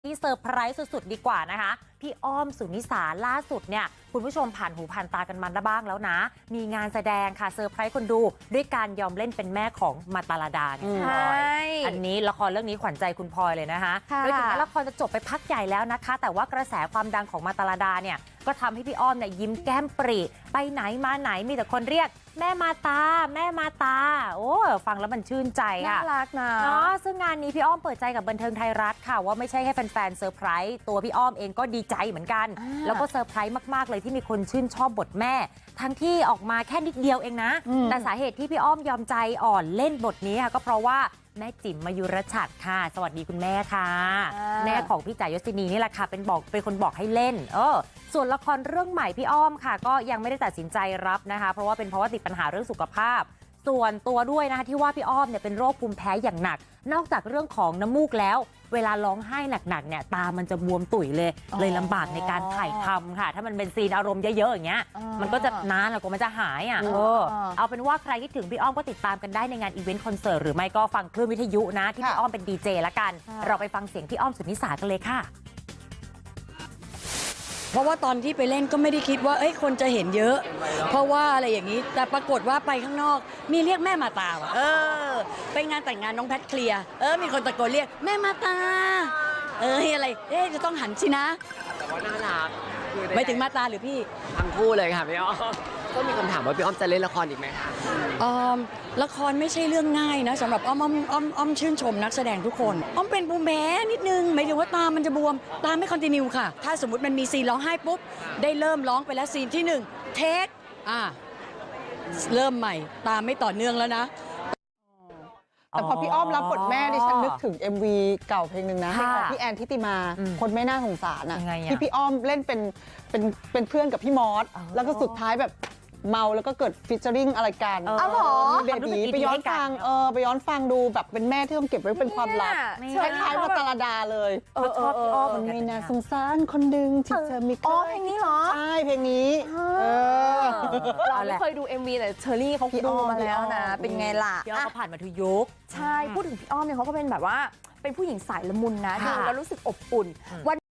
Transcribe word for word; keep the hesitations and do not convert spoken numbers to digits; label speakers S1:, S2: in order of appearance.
S1: ที่เซอร์ไพรส์สุดๆดีกว่านะคะพี่อ้อมสุนิสาล่าสุดเนี่ยคุณผู้ชมผ่านหูผ่านตากันมันบ้างแล้วนะมีงานแสดงค่ะเซอร์ไพรส์คนดูด้วยการยอมเล่นเป็นแม่ของมาตาลาดาเนี่ยพลอยอันนี้ละครเรื่องนี้ขวัญใจคุณพลอยเลยนะคะโดยถึงแม้ละครจะจบไปพักใหญ่แล้วนะคะแต่ว่ากระแสความดังของมาตาลาดาเนี่ยก็ทำให้พี่อ้อมเนี่ยยิ้มแก้มปรีไปไหนมาไหนมีแต่คนเรียกแม่มาตาแม่มาตาโอ้ฟังแล้วมันชื่นใจค่ะ
S2: น่ารักนะ
S1: เนาะซึ่งงานนี้พี่อ้อมเปิดใจกับบันเทิงไทยรัฐค่ะว่าไม่ใช่ให้แฟนๆเซอร์ไพรส์ตัวพี่อ้อมเองก็ดีใจเหมือนกันแล้วก็เซอร์ไพรส์มากๆเลยที่มีคนชื่นชอบบทแม่ทั้งที่ออกมาแค่นิดเดียวเองนะแต่สาเหตุที่พี่อ้อมยอมใจอ่อนเล่นบทนี้ค่ะก็เพราะว่าแม่จิ๋มมายุรชัดค่ะสวัสดีคุณแม่ค่ะแม่ของพี่จ๋ายศินีนี่แหละค่ะเป็นบอกเป็นคนบอกให้เล่นเออส่วนละครเรื่องใหม่พี่อ้อมค่ะก็ยังไม่ได้ตัดสินใจรับนะคะเพราะว่าเป็นเพราะว่าติดปัญหาเรื่องสุขภาพส่วนตัวด้วยนะคะที่ว่าพี่อ้อมเนี่ยเป็นโรคภูมิแพ้อย่างหนักนอกจากเรื่องของน้ำมูกแล้วเวลาร้องไห้หนักๆเนี่ยตามันจะบวมตุ๋ยเลยเลยลำบากในการถ่ายทำค่ะถ้ามันเป็นซีนอารมณ์เยอะๆอย่างเงี้ยมันก็จะนานแล้วกว่ามันจะหายอ่ะเออเอาเป็นว่าใครคิดถึงพี่อ้อมก็ติดตามกันได้ในงานอีเวนต์คอนเสิร์ตหรือไม่ก็ฟังคลื่นวิทยุนะที่พี่อ้อมเป็นดีเจละกันเราไปฟังเสียงพี่อ้อมสุนิสากันเลยค่ะ
S3: เพราะว่าตอนที่ไปเล่นก็ไม่ได้คิดว่าเอ้ยคนจะเห็นเยอะเพราะว่าอะไรอย่างนี้แต่ปรากฏว่าไปข้างนอกมีเรียกแม่มาตาว่ะเออไปงานแต่งงานน้องแพทเคลียร์เออมีคนตะโกนเรียกแม่มาตาเอออะไรเอ๊ะจะต้องหันสินะ
S4: แต่ว่าน่ารัก
S3: ไม่ถึงมาตาหรือพี่
S4: ทั้งคู่เลยค่ะพี่อ้อมก็มีคำถามว่าพี่อ้อมจะเล่นละครอีกไหมคะ
S3: ออมละครไม่ใช่เรื่องง่ายนะสำหรับอ้อมอ้อมอ้อมอ้อมชื่นชมนักแสดงทุกคนอ้อมเป็นภูมิแพ้นิดนึงหมายถึงว่าตามันจะบวมตาไม่คอนติเนียค่ะถ้าสมมติมันมีซีนร้องไห้ปุ๊บได้เริ่มร้องไปแล้วซีนที่หนึ่งเทคอ่าเริ่มใหม่ตาไม่ต่อเนื่องแล้วนะ
S2: แต่พอพี่อ้อมรับบทแม่ดิฉันนึกถึง เอ็ม วี เก่าเพลงหนึ่งนะของพี่แอนทิติมาคนไม่น่าสงสารอ่ะที่พี่อ้อมเล่นเป็นเป็นเป็นเพื่อนกับพี่มอสแล้วก็สุดท้ายแบบเมาแล้วก็เกิดฟิชเจอริงอะไรกัน
S1: อ๋อเหรอ
S2: เบบีไปย้อนฟังเออไปย้อนฟังดูแบบเป็นแม่ที่ต้องเก็บไว้เป็นความลับคล้ายๆมาตาลาดาเลย
S1: เออชอบพี่อ้อม
S2: มันไม่น่าสงสารคนดึงที่เธอมี
S5: อ๋อเพลงนี้เหรอ
S2: ใช่เพลงนี้
S5: เราไม่เคยดู เอ็ม วี แต่เชอรี่เขาดูมาแล้วนะเป็นไงล่ะ
S1: พี่อ้อมเขาผ่านมาทุกยุค
S5: ใช่พูดถึงพี่อ้อมเนี่ยเขาก็เป็นแบบว่าเป็นผู้หญิงสายละมุนนะดูแล้วรู้สึกอบอุ่นวัน